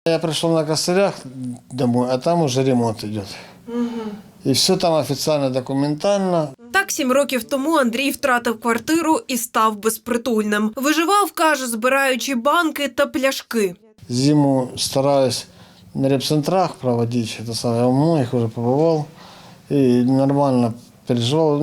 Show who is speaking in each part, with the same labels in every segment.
Speaker 1: Я пришел на косарях домой, а там уже ремонт идет. І все там офіційно, документально.
Speaker 2: Так 7 років тому Андрій втратив квартиру і став безпритульним. Виживав, каже, збираючи банки та пляшки.
Speaker 1: Зиму стараюсь на репцентрах проводить, я у многих уже побывал, и нормально переживал.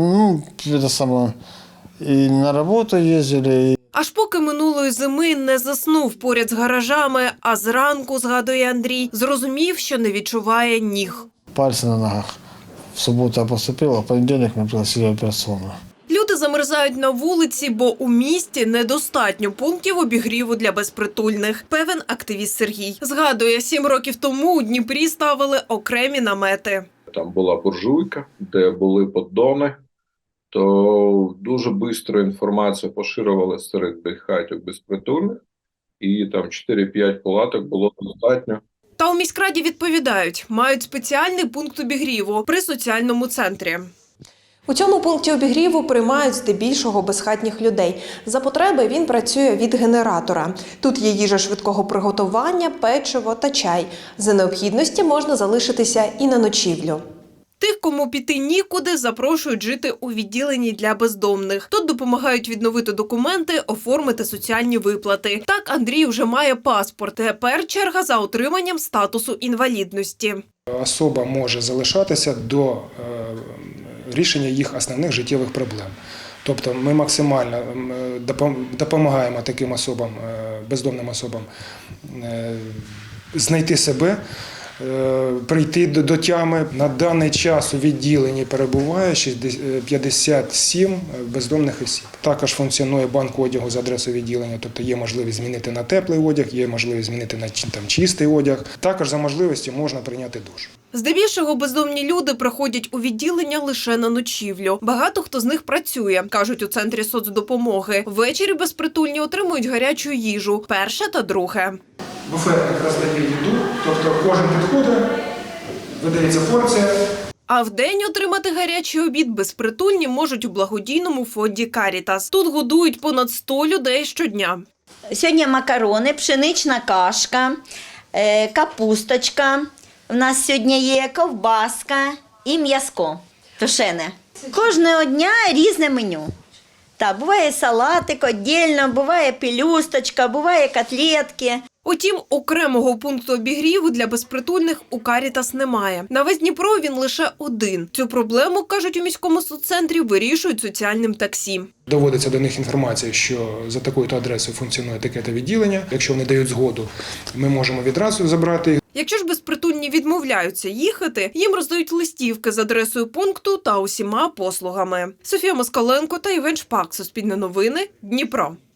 Speaker 1: И на работу ездили.
Speaker 2: Аж поки минулої зими не заснув поряд з гаражами, а зранку, згадує Андрій, зрозумів, що не відчуває ніг.
Speaker 1: Пальцы на ногах. В суботу я поступил, а в понедельник мы пригласили операционную.
Speaker 2: Люди замерзають на вулиці, бо у місті недостатньо пунктів обігріву для безпритульних, певен активіст Сергій. Згадує, 7 років тому у Дніпрі ставили окремі намети.
Speaker 3: Там була буржуйка, де були поддони, то дуже швидко інформація поширювалася серед хатів безпритульних, і там 4-5 палаток було достатньо.
Speaker 2: Та у міськраді відповідають, мають спеціальний пункт обігріву при соціальному центрі.
Speaker 4: У цьому пункті обігріву приймають здебільшого безхатніх людей. За потреби він працює від генератора. Тут є їжа швидкого приготування, печиво та чай. За необхідності можна залишитися і на ночівлю.
Speaker 2: Тих, кому піти нікуди, запрошують жити у відділенні для бездомних. Тут допомагають відновити документи, оформити соціальні виплати. Так Андрій вже має паспорт. Тепер черга за отриманням статусу інвалідності.
Speaker 5: Особа може залишатися до рішення їх основних життєвих проблем. Тобто ми максимально допомагаємо таким особам, бездомним особам знайти себе, прийти до тями. На даний час у відділенні перебуває 57 бездомних осіб. Також функціонує банк одягу за адресою відділення, тобто є можливість змінити на теплий одяг, є можливість змінити на чистий одяг. Також за можливості можна прийняти душ.
Speaker 2: Здебільшого бездомні люди приходять у відділення лише на ночівлю. Багато хто з них працює, кажуть у центрі соцдопомоги. Ввечері безпритульні отримують гарячу їжу – перше та друге.
Speaker 5: Буфетник роздає їду, тобто кожен підходить, видається порція.
Speaker 2: А вдень отримати гарячий обід безпритульні можуть у благодійному фонді «Карітас». Тут годують понад 100 людей щодня.
Speaker 6: Сьогодні макарони, пшенична кашка, капусточка. У нас сьогодні є ковбаска і м'яско тушене. Кожного дня різне меню. Так, буває салатик віддільно, буває пелюсточка, буває котлетки.
Speaker 2: Утім, окремого пункту обігріву для безпритульних у «Карітас» немає. На весь Дніпро він лише один. Цю проблему, кажуть у міському соццентрі, вирішують соціальним таксі.
Speaker 5: Доводиться до них інформація, що за такою-то адресою функціонує таке-то відділення. Якщо вони дають згоду, ми можемо відразу забрати їх.
Speaker 2: Якщо ж безпритульні відмовляються їхати, їм роздають листівки з адресою пункту та усіма послугами. Софія Москаленко та Євген Шпак. Суспільне новини. Дніпро.